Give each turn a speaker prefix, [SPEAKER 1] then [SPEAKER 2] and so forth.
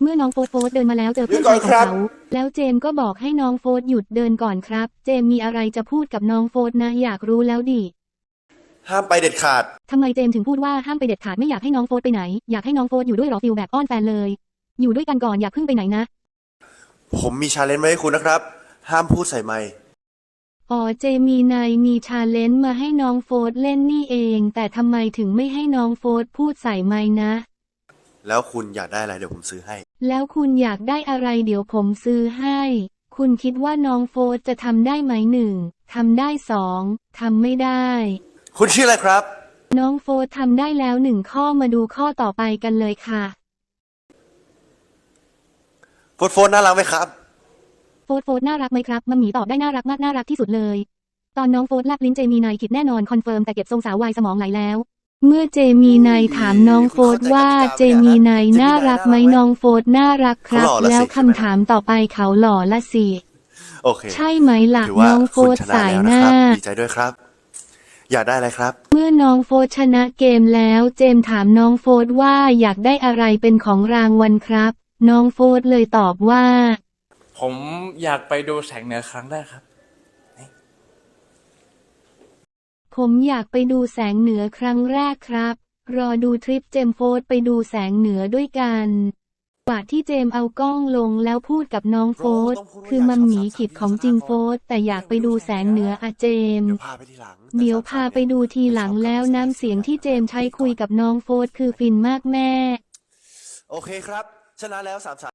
[SPEAKER 1] มื่อน้องโฟร์เดินมาแล้วเจอเพื่อนชายของเขาแล้วเจมก็บอกให้น้องโฟร์หยุดเดินก่อนครับเจมมีอะไรจะพูดกับน้องโฟร์นะอยากรู้แล้วดิ
[SPEAKER 2] ห้ามไปเด็ดขาด
[SPEAKER 1] ทำไมเจมถึงพูดว่าห้ามไปเด็ดขาดไม่อยากให้น้องโฟร์ไปไหนอยากให้น้องโฟร์อยู่ด้วยหรอฟิลแบบอ้อนแฟนเลยอยู่ด้วยกันก่อนอย่าเพิ่งไปไหนนะ
[SPEAKER 2] ผมมีชาเลนจ์มาให้คุณนะครับห้ามพูดใส่ไมค์
[SPEAKER 1] อ๋อเจมีชาเลนจ์มาให้น้องโฟร์เล่นนี่เองแต่ทำไมถึงไม่ให้น้องโฟร์พูดใส่ไมค์นะ
[SPEAKER 2] แล้วคุณอยากได้อะไรเดี๋ยวผมซื้อให้
[SPEAKER 1] แล้วคุณอยากได้อะไรเดี๋ยวผมซื้อให้คุณคิดว่าน้องโฟร์จะทำได้ไหม1ทำได้2ทำไม่ได้
[SPEAKER 2] คุณชื่ออะไรครับ
[SPEAKER 1] น้องโฟร์ทำได้แล้ว1ข้อมาดูข้อต่อไปกันเลยค่ะ
[SPEAKER 2] โฟนน่ารักไหมครับ
[SPEAKER 1] โฟร์น่ารักไหมครับมัมหมี่ตอบได้น่ารักมากน่ารักที่สุดเลยตอนน้องโฟร์แลบลิ้นเจมีนายคิดแน่นอนคอนเฟิร์มแต่เก็บทรงสาววายสมองไหลแล้วเมื่อเจมีนายถามน้องโฟร์ว่าเจมีนายน่ารักไหมน้องโฟร์น่ารักครับแล้วคำถามต่อไปเขาหล่อละสิ
[SPEAKER 2] โอเค
[SPEAKER 1] ใช่ไหมล่ะน้องโฟร์สายหน้า
[SPEAKER 2] ดีใจด้วยครับอยากได้อะไรครับ
[SPEAKER 1] เมื่อน้องโฟร์ชนะเกมแล้วเจมถามน้องโฟร์ว่าอยากได้อะไรเป็นของรางวัลครับน้องโฟร์เลยตอบว่า
[SPEAKER 3] ผมอยากไปดูแสงเหนือครั้งแรกครับ
[SPEAKER 1] ผมอยากไปดูแสงเหนือครั้งแรกครับรอดูทริปเจมโฟร์ไปดูแสงเหนือด้วยกันกว่าที่เจมเอากล้องลงแล้วพูดกับน้องโฟร์คือมัมหมีขิดของจริงโฟร์แต่อยากไปดูแสงเหนืออะเจมเดี๋ยวพาไปดูทีหลังแล้วน้ำเสียงที่เจมใช้คุยกับน้องโฟร์คือฟินมากแม่
[SPEAKER 2] โอเคครับชนะแล้ว3-3